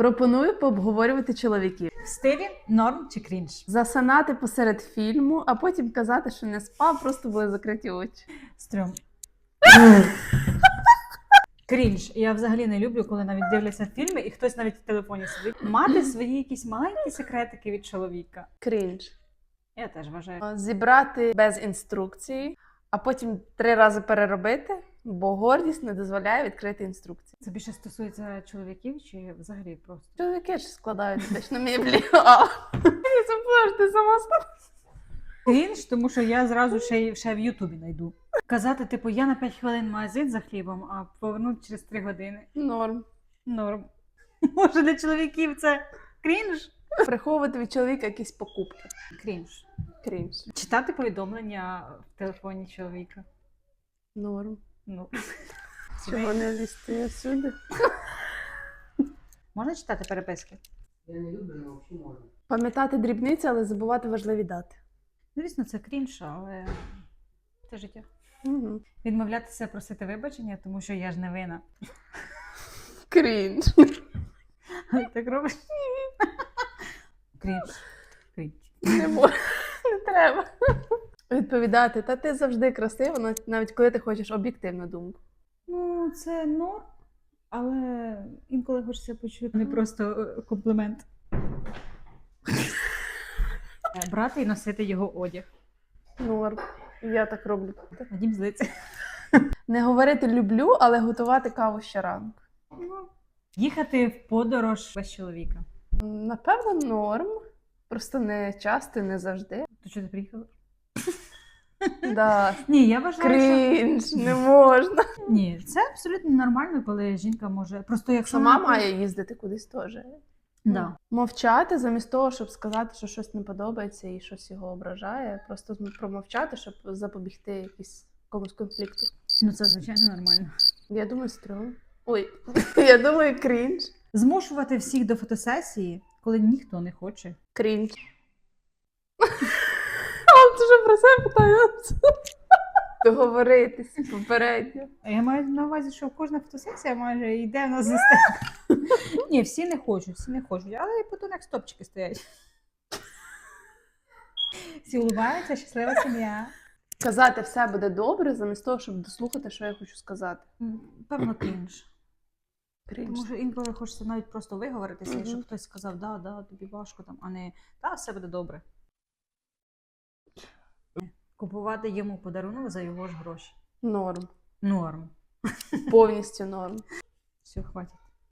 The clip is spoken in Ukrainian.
Пропоную пообговорювати чоловіків. В стилі норм чи крінж? Засинати посеред фільму, а потім казати, що не спав, просто були закриті очі. Стрьом. Крінж. Я взагалі не люблю, коли навіть дивляться фільми і хтось навіть в телефоні сидить. Мати свої якісь маленькі секретики від чоловіка. Крінж. Я теж вважаю. Зібрати без інструкції, а потім 3 рази переробити, бо гордість не дозволяє відкрити інструкції. Це більше стосується чоловіків чи взагалі просто? Чоловіки ж складають точно меблі. А, я забула, ти сама стала. Крінж, тому що я зразу ще в Ютубі знайду. Казати, типу, я на 5 хвилин в магазин за хлібом, а повернути через 3 години. Норм. Норм. Може для чоловіків це крінж? Приховувати від чоловіка якісь покупки. Крінж. Крінж. Читати повідомлення в телефоні чоловіка. Норм. Ну. Чого не лізти всюди? Можна читати переписки? Я не люблю, але взагалі можна. Пам'ятати дрібниці, але забувати важливі дати. Звісно, це крінж, але це життя. Угу. Відмовлятися просити вибачення, тому що я ж не винна. Крінж. Так робиш? Крінж. Крінж. Не можу. Не треба. Відповідати, та ти завжди красива, навіть коли ти хочеш об'єктивну думку. Ну, це норм, але інколи хочеться почути не просто комплімент. Брати і носити його одяг. Норм. Я так роблю. Вадім злиться. Не говорити люблю, але готувати каву щоранку. Їхати в подорож без чоловіка. Напевно, норм. Просто не часто і не завжди. То що ти приїхала? Да. Ні, я вважаю, Крінж, не можна. що... Ні, це абсолютно нормально, коли жінка може... Просто якщо Сама вона- має їздити кудись теж. Да. Мовчати замість того, щоб сказати, що щось не подобається і щось його ображає. Просто промовчати, щоб запобігти якомусь конфлікту. Ну, це, звичайно, нормально. Я думаю, стрьом. Ой, я думаю, крінж. Змушувати всіх до фотосесії, коли ніхто не хоче. Крінж. А ти вже про це питаєш? Договоритись попередньо. Я маю на увазі, що кожна фотосесія майже йде в нас система. Ні, всі не хочуть, але і потім як стопчики стоять. Всі улыбаються, щаслива сім'я. Казати все буде добре, замість того, щоб дослухати, що я хочу сказати. Певно, крінж. Крінж. Тому що інколи хочеться навіть просто виговоритися, і щоб Мгм. хтось сказав, да, тобі важко, там, а не та, все буде добре. Купувати йому подарунок за його ж гроші. Норм. Норм. Повністю норм. Все, хватить.